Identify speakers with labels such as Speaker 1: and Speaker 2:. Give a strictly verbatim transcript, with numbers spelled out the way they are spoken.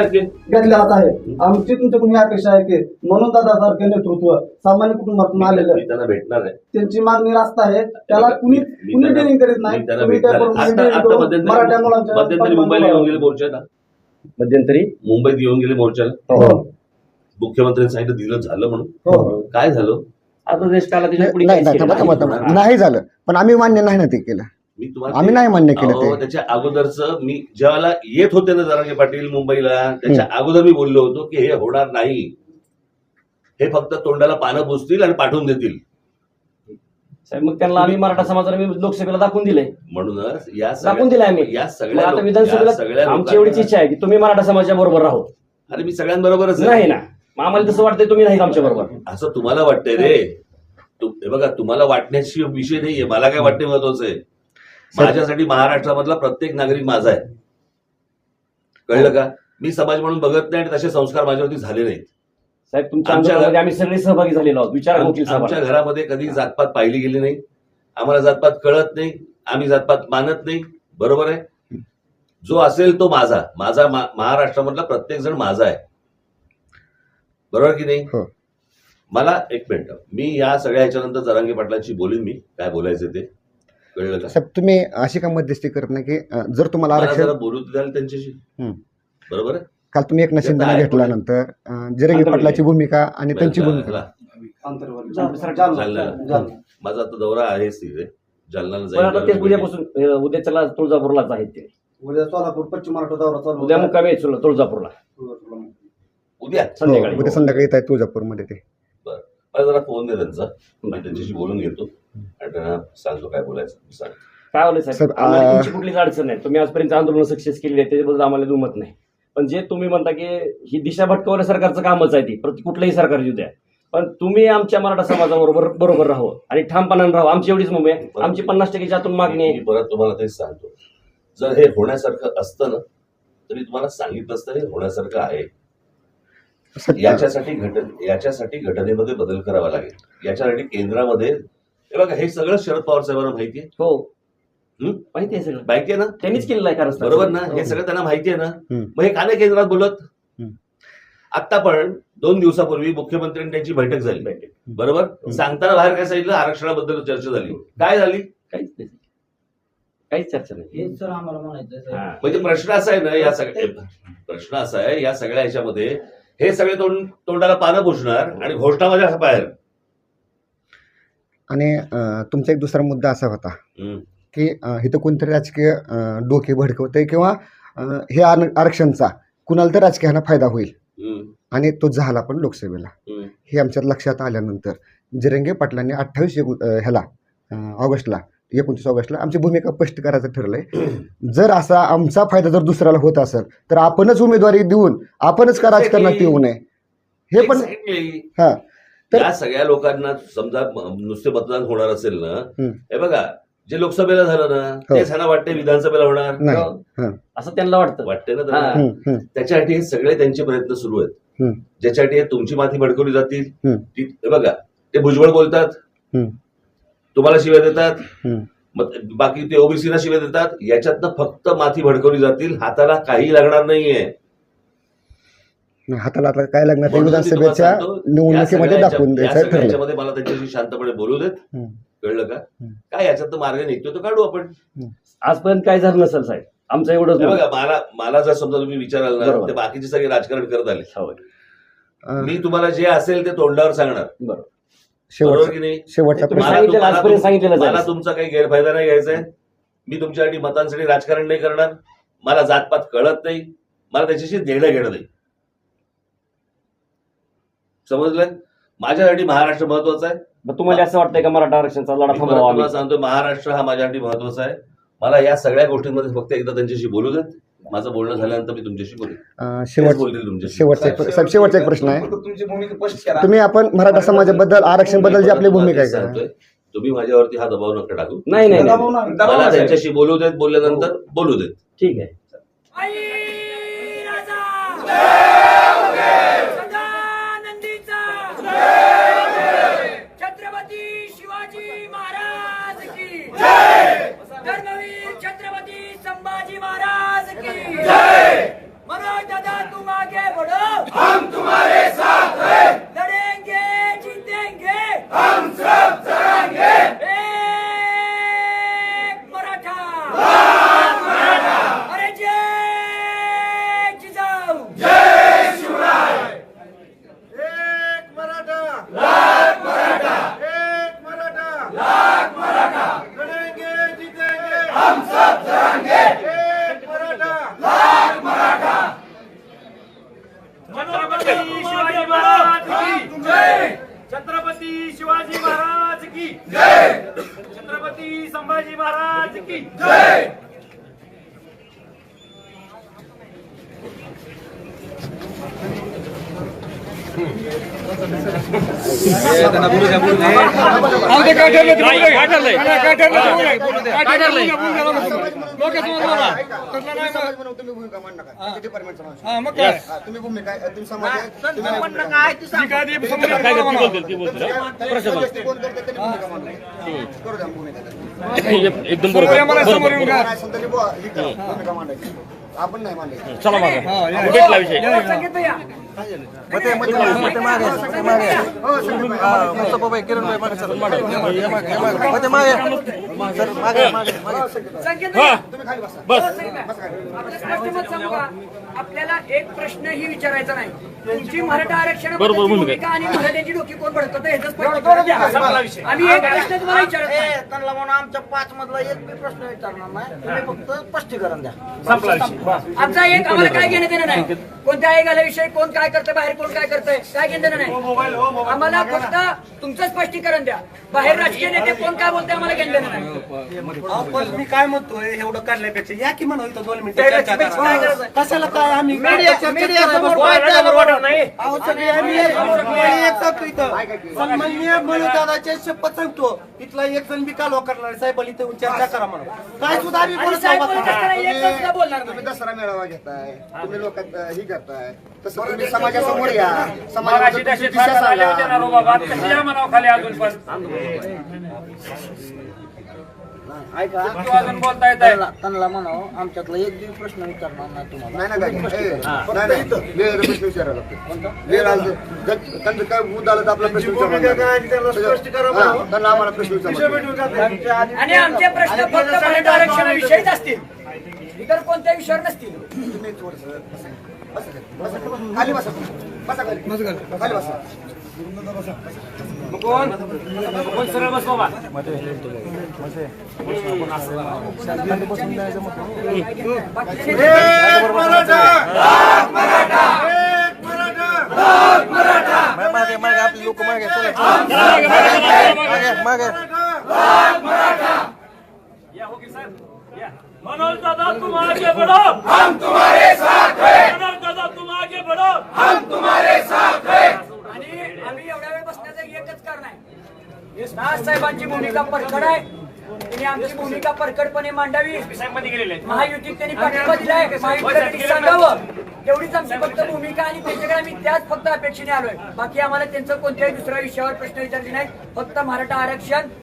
Speaker 1: टक्के
Speaker 2: घेतलेलाच आहे. आमची तुमच्याकडून ही अपेक्षा आहे की म्हणून दादासारखे नेतृत्व सामान्य कुटुंबातून आलेलं
Speaker 3: मी त्यांना भेटणार आहे.
Speaker 2: त्यांची मागणी रास्त आहे, त्याला कुणी
Speaker 3: मी
Speaker 2: कुणी
Speaker 3: त्यांना-
Speaker 2: डिलिंग करीत नाही.
Speaker 3: मी त्यांना
Speaker 2: तुम्ही
Speaker 3: भेटणार
Speaker 2: त्याप्रमाणे
Speaker 3: आहे. आता-
Speaker 2: dealing
Speaker 3: आता
Speaker 2: करून
Speaker 3: मध्यंतरी
Speaker 2: मराठा मुलांच्या
Speaker 3: मध्यंतरी मुंबईला येऊन गेले मोर्चाला,
Speaker 1: मध्यंतरी
Speaker 3: मुंबईत येऊन गेले मोर्चाला.
Speaker 2: हो
Speaker 3: मुख्यमंत्र्यांनी सांगितलं दिलं झालं म्हणून.
Speaker 2: हो
Speaker 3: काय झालं?
Speaker 1: आता देश काला त्याच्या पुढे
Speaker 4: नाही
Speaker 1: काहीच
Speaker 4: नाही
Speaker 1: केलं
Speaker 4: थांबा
Speaker 1: नाही.
Speaker 4: थांबा थांबा. नाही झालं, पण आम्ही मान्य नाही ना ते केलं.
Speaker 3: मी तुम्हाला
Speaker 4: आम्ही
Speaker 3: ते-
Speaker 4: नाही मान्य केलं
Speaker 3: अहो,
Speaker 4: ते.
Speaker 3: त्याच्या अगोदरच मी ज्यावेळेला येत होते ना जरांगे पाटील मुंबईला, त्याच्या अगोदर मी बोललो होतो की हे होणार नाही, हे फक्त तोंडाला पानं पुसतील आणि पाठवून देतील.
Speaker 1: साहेब मग त्यांना आम्ही मराठा समाजाला मी लोकसभेला दाखवून दिलंय,
Speaker 3: म्हणूनच या
Speaker 1: दाखवून दिलंय आम्ही.
Speaker 3: या
Speaker 1: मग
Speaker 3: सगळ्या
Speaker 1: आता
Speaker 3: लोक- या
Speaker 1: विधानसभेला
Speaker 3: सगळ्या
Speaker 1: आमची एवढीच
Speaker 3: लोकांना-
Speaker 1: इच्छा आहे की तुम्ही मराठा समाजाच्या बरोबर राहो.
Speaker 3: अरे मी सगळ्यांबरोबरच आहे.
Speaker 1: नाही ना, मग आम्हाला तसं वाटतंय तुम्ही नाही आमच्या बरोबर.
Speaker 3: असं तुम्हाला वाटतंय रे. तु- हे बघा, तुम्हाला वाटण्याची विषय नाहीये, मला काय वाटणे महत्वाचं आहे. माझ्यासाठी महाराष्ट्रामधला प्रत्येक नागरिक माझा आहे, कळलं का? मी समाज म्हणून बघत नाही आणि तसे संस्कार माझ्यावरती झाले नाहीत.
Speaker 1: साहेब तुमच्या
Speaker 3: आमच्या-
Speaker 1: आंदोलनामध्ये आम्ही सगळे सहभागी झालेलो आहोत. विचार
Speaker 3: आम-
Speaker 1: वकील साहेब.
Speaker 3: आमच्या घरामध्ये कधी जातपात पाहिली गेली नाही. आम्हाला जातपात कळत नाही, आम्ही जातपात मानत नाही. बरोबर आहे. जो असेल तो माझा माझा मा- महाराष्ट्रामधला प्रत्येक जण माझा आहे, बरोबर की नाही?
Speaker 4: हो.
Speaker 3: मला एक मिनिट, मी या सगळ्या ह्याच्यानंतर जरांगे पाटलांशी बोलीन, मी काय बोलायचं ते, कळलं का?
Speaker 4: साहेब तुम्ही अशी का मध्यस्थी करत नाही की अं, जर तुम्हाला
Speaker 3: मला
Speaker 4: आरक्षण
Speaker 3: जरा बोलू द्याल त्यांच्याशी,
Speaker 4: हम्म.
Speaker 3: बरोबर आहे?
Speaker 4: काल तुम्ही एक नशिंदा
Speaker 3: आहे.
Speaker 4: घेतल्यानंतर अं, जिरंगी
Speaker 1: आंतरवाली.
Speaker 4: पाटलाची भूमिका आणि त्यांची भूमिका
Speaker 3: ह्याला-
Speaker 2: आंतरवर्ग.
Speaker 1: जालना.
Speaker 2: जालना. जालना.
Speaker 3: माझा आता दौरा आहेच तिथे, जालनाला
Speaker 1: पण आता ते
Speaker 3: जाईल.
Speaker 1: उद्यापासून अं, उद्या चला तुळजापूरलाच आहेत ते.
Speaker 2: उद्या सोलापूर पश्चिम महाराष्ट्र दौरा चालू
Speaker 1: उद्या
Speaker 2: होता.
Speaker 1: मुक्कामी आहेत तुळ- तुळजापूरला
Speaker 3: उद्या
Speaker 1: संध्याकाळी.
Speaker 4: हो, उद्या संध्याकाळी येत आहे तुळजापूरमध्ये ते.
Speaker 3: मला जरा फोन दे त्यांचा, मी त्यांच्याशी बोलून घेतो आणि त्यांना सांगतो काय बोलायचं सांग.
Speaker 1: काय होलं साहेब,
Speaker 4: साहेब,
Speaker 1: आम्हाला
Speaker 4: आ-
Speaker 1: तुमची कुठलीच अडचण नाही. तुम्ही आजपर्यंत आंदोलन सक्सेस केली आहे त्याच्याबद्दल आम्हाला दुमत नाही. पण जे तुम्ही म्हणता की ही दिशा भटकवण्या सरकारचं कामच आहे ती, प्रति कुठलंही सरकार येऊ द्या, पण तुम्ही आमच्या मराठा समाजाबरोबर बरोबर राहू आणि ठामपणाने राहू. आमची एवढीच मुंबई आहे. आमची पन्नास टक्केच्या आतून मागणी
Speaker 3: मी
Speaker 1: आहे.
Speaker 3: परत तुम्हाला तेच सांगतो, जर हे होण्यासारखं असतं ना तरी तुम्हाला सांगितलं असतं हे होण्यासारखं आहे.
Speaker 4: साहेब,
Speaker 3: याच्यासाठी घटन याच्यासाठी घटनेमध्ये बदल करावा लागेल. याच्यासाठी केंद्रामध्ये हे बघा, हे सगळं शरद पवार साहेबांना माहिती आहे.
Speaker 1: हो
Speaker 3: हम्म?
Speaker 1: माहिती आहे सगळं,
Speaker 3: माहिती आहे ना,
Speaker 1: त्यांनीच केलेलं आहे कारण
Speaker 3: बरोबर ना? हे सगळं त्यांना माहिती आहे ना.
Speaker 4: हम्म.
Speaker 3: मग हे का नाही केंद्रात बोलत?
Speaker 4: हम्म.
Speaker 3: आता पण दोन दिवसापूर्वी मुख्यमंत्र्यांनी त्यांची बैठक झाली, बरोबर? सांगताना बाहेर काय सांगितलं? आरक्षणाबद्दल चर्चा झाली. काय झाली?
Speaker 1: काहीच नाही, काहीच चर्चा नाही.
Speaker 5: हेच सर आम्हाला म्हणायचं
Speaker 1: हा.
Speaker 3: म्हणजे प्रश्न असा आहे ना, या सगळ्या प्रश्न असा आहे या सगळ्या ह्याच्यामध्ये हे सगळे तोंड तोंडाला पानं पुसणार आणि घोषणा माझ्या बाहेर.
Speaker 4: आणि अं, तुमचा एक दुसरा मुद्दा असा होता
Speaker 3: हम्म.
Speaker 4: की अं, इथं कोणतरी राजकीय अं, डोके भडकवतंय किंवा अं, हे आर- आरक्षणचा कुणाला तर राजकीयांना फायदा होईल
Speaker 3: हम्म.
Speaker 4: आणि तो झाला पण लोकसभेला.
Speaker 3: हम्म.
Speaker 4: हे आमच्यात लक्षात आल्यानंतर जिरंगे पाटलांनी अठ्ठावीस एकू अं, ह्याला अं, ऑगस्टला एकोणतीस ऑगस्टला आमची भूमिका स्पष्ट करायचं ठरलंय. जर असा आमचा फायदा जर दुसऱ्याला होत असेल तर आपणच उमेदवारी देऊन आपणच का राजकारणात येऊ नये हे पण.
Speaker 3: Exactly.
Speaker 4: हा तर-
Speaker 3: या सगळ्या लोकांना समजा म- नुसते मतदान होणार असेल ना,
Speaker 4: हम्म.
Speaker 3: हे बघा जे लोकसभेला झालं ना
Speaker 4: हो.
Speaker 3: तेच ह्यांना वाटते विधानसभेला होणार.
Speaker 4: नाही.
Speaker 1: हो.
Speaker 4: हा.
Speaker 1: असं त्यांना वाटतं.
Speaker 3: वाटते ना
Speaker 1: हा.
Speaker 3: त्यांना.
Speaker 4: हम्म, हम्म,
Speaker 3: त्याच्यासाठी हे सगळे त्यांचे प्रयत्न सुरू आहेत.
Speaker 4: हम्म.
Speaker 3: ज्याच्यासाठी हे तुमची माती भडकवली जातील.
Speaker 4: हम्म.
Speaker 3: ती- हे बघा, ते भुजबळ बोलतात,
Speaker 4: हम्म.
Speaker 3: तुम्हाला शिव्या देतात,
Speaker 4: हम्म.
Speaker 3: मग बाकी ते ओबीसीला शिव्या देतात. याच्यातनं फक्त माती भडकवली जातील, हाताला काही लागणार नाहीये.
Speaker 4: नाही, हाताला आता काय लागणार ते
Speaker 3: म्हणून मी तुम्हाला
Speaker 4: विधानसभेच्या
Speaker 3: सांगतो, या
Speaker 4: निवडणुकीमध्ये
Speaker 3: सगळ्या
Speaker 4: दाखवून
Speaker 3: ह्याच्या- या
Speaker 4: द्यायचं
Speaker 3: सगळ्या
Speaker 4: ठरलं.
Speaker 3: ह्याच्यामध्ये मला त्यांच्याशी शांतपणे बोलू देत,
Speaker 4: हम्म.
Speaker 3: कळलं का?
Speaker 4: हम्म.
Speaker 3: काय याच्यात मार्ग निघतो तो काढू आपण.
Speaker 1: आजपर्यंत काय झालं नसेल साहेब, आमचं एवढंच
Speaker 3: हे
Speaker 1: मत.
Speaker 3: बघा, मला मला जर समजा तुम्ही विचाराल ना,
Speaker 1: बरोबर.
Speaker 3: ते बाकीचे सगळे राजकारण करत आले.
Speaker 1: हो.
Speaker 4: अं,
Speaker 3: मी तुम्हाला जे असेल ते तोंडावर सांगणार,
Speaker 1: बरोबर.
Speaker 3: बरोबर
Speaker 4: शेवटचा
Speaker 3: की नाही?
Speaker 4: शेवटचा
Speaker 1: तुम्ही
Speaker 4: प्रश्न.
Speaker 3: मला
Speaker 1: सांगितलेलं,
Speaker 3: तुम्हाला-
Speaker 1: आजपर्यंत सांगितलेलं
Speaker 3: मला
Speaker 1: जाईल.
Speaker 3: तुमचा काही गैरफायदा नाही घ्यायचा आहे. मी तुमच्यासाठी मतांसाठी राजकारण नाही करणार. मला जातपात कळत नाही, मला त्याच्याशी देणं घेणं नाही. समजलं? माझ्यासाठी महाराष्ट्र महत्वाचा आहे.
Speaker 1: मग तुम्हाला असं वाटतंय का मराठा आरक्षणाचा लढा
Speaker 3: मी परत
Speaker 1: थांबवावा आम्ही?
Speaker 3: तुम्हाला सांगतो, महाराष्ट्र हा माझ्यासाठी महत्वाचा आहे. मला या सगळ्या गोष्टींमध्ये फक्त एकदा त्यांच्याशी बोलू देत. माझं बोलणं झाल्यानंतर मी तुमच्याशी बोलेन.
Speaker 4: अं,
Speaker 3: तेच
Speaker 4: शेवट
Speaker 3: बोलतील तुमच्याशी.
Speaker 4: शेवटचा एक- साहेब, शेवटचा एक प्रश्न आहे.
Speaker 2: तुमची भूमिका स्पष्ट करा.
Speaker 4: तुम्ही आपण मराठा समाजाबद्दल आरक्षण बद्दल जी आपली भूमिका आहे का?
Speaker 3: सांगतोय, तुम्ही माझ्यावरती हा दबाव नका टाकू.
Speaker 1: नाही नाही, नाही
Speaker 2: दबाव नाही. दबाव
Speaker 3: मला
Speaker 2: नाही.
Speaker 3: त्यांच्याशी बोलू देत, बोलल्यानंतर बोलू देत.
Speaker 1: ठीक आहे.
Speaker 6: छत्रपती शिवाजी महाराज की धर्मवीर छत्रपती संभाजी महाराज की मनोज दादा तू माझा छत्रपती संभाजी महाराज की
Speaker 2: तुम्ही भूमिका तुम्ही समाज
Speaker 1: एकदम बरोबर
Speaker 2: आपण नाही मांडायचं.
Speaker 1: चला मागे भेटला विषय बस
Speaker 6: आपल्याला एक प्रश्नही विचारायचा नाही. तुमची मराठा आरक्षण
Speaker 1: बरोबर भूमिका.
Speaker 6: भूमिका आणि मराठ्याची डोकी कोण भडकत ह्याचं स्पष्टीकरण द्या. आम्ही एक प्रश्न तुम्हाला विचारत नाही.
Speaker 5: त्यांना म्हणून आमच्या पाच मधला एक बी प्रश्न विचारणार नाही. तुम्ही फक्त स्पष्टीकरण द्या.
Speaker 6: आमचा एक आम्हाला काय घेणं देणं नाही. कोणत्या आयोगाविषयी कोण काय करतंय, बाहेर कोण काय करतंय, काय घेणं देणं नाही. आम्हाला फक्त तुमचं स्पष्टीकरण द्या. बाहेर राजकीय नेते कोण काय बोलते आम्हाला घेणं देणं नाही.
Speaker 5: पण मी काय म्हणतोय एवढं काढल्यापेक्षा या की म्हणून इथं दोन
Speaker 6: काय गरज आहे?
Speaker 5: कशाला काय आम्ही
Speaker 6: मीडिया- मीडिया समोर काय द्यायला वाटत नाही.
Speaker 5: अहो, सगळे आम्ही एक- आम्ही एक सांगतो इथं. सन्माननीय दादाचे शपथ सांगतो इथला एक जण बी कालवा करणार आहे. साहेब इथं चर्चा करा म्हणून काय सुद्धा आम्ही
Speaker 6: आणि
Speaker 5: बोलत
Speaker 6: साहेब
Speaker 5: नाही.
Speaker 6: बोलत असताना एक जण सुद्धा बोलणार
Speaker 2: तुम्ही
Speaker 6: नाही.
Speaker 2: दसरा मेळावा घेताय, तुम्ही लोकांत ही करताय, तसं तुम्ही समाजासमोर या.
Speaker 6: मगाशी
Speaker 2: समाजाची
Speaker 6: तशी
Speaker 2: दिशा
Speaker 6: फार झाले होते
Speaker 2: सांगा.
Speaker 6: ना रो बाबा. कशी या म्हणावं खाली अजून पण
Speaker 5: ऐका
Speaker 6: तू अजून बोलता येत आहे.
Speaker 5: त्यांना त्यांना म्हणावं आमच्यातला एक बी प्रश्न विचारणार नाही तुम्हाला.
Speaker 2: नाही ना काय ए, नाही नाही वेळ प्रश्न विचारायला लागतो. वेळ आला तर त्यांचं काय मुद्दा आला तर आपला प्रश्न विचारायला हा, त्यांना आम्हाला प्रश्न विचारायला
Speaker 6: आणि आमचे प्रश्न फक्त मराठा आरक्षणाविषयीच असतील, इतर कोणत्या विषयावर नसतील.
Speaker 2: तुम्ही थोडंसं बसा बसा खाली बसा बसा खाली खाली बसा
Speaker 6: कोण कोण सरळ बस बाबा.
Speaker 5: मागे मागे आपले लोक मागे चला मागे मागे
Speaker 6: मनोज दादा तुम आगे बढ़ो, हम तुम्हारे साथ हैं. मनोज दादा तुम आगे बढ़ो, हम तुम्हारे साथ हैं. आणि आम्ही एवढ्या वेळ बसण्याचं एकच कारण आहे. दास साहेबांची भूमिका परखड आहे. त्यांनी आमची भूमिका परखडपणे मांडावी. महायुतीत त्यांनी पाठिंबा दिलाय. महायुतीसाठी सांगावं एवढीच आमची फक्त भूमिका आणि त्यांच्याकडे आम्ही त्याच फक्त अपेक्षेने आलोय. बाकी आम्हाला त्यांचं कोणत्याही दुसऱ्या विषयावर प्रश्न विचारले नाहीत. फक्त मराठा आरक्षण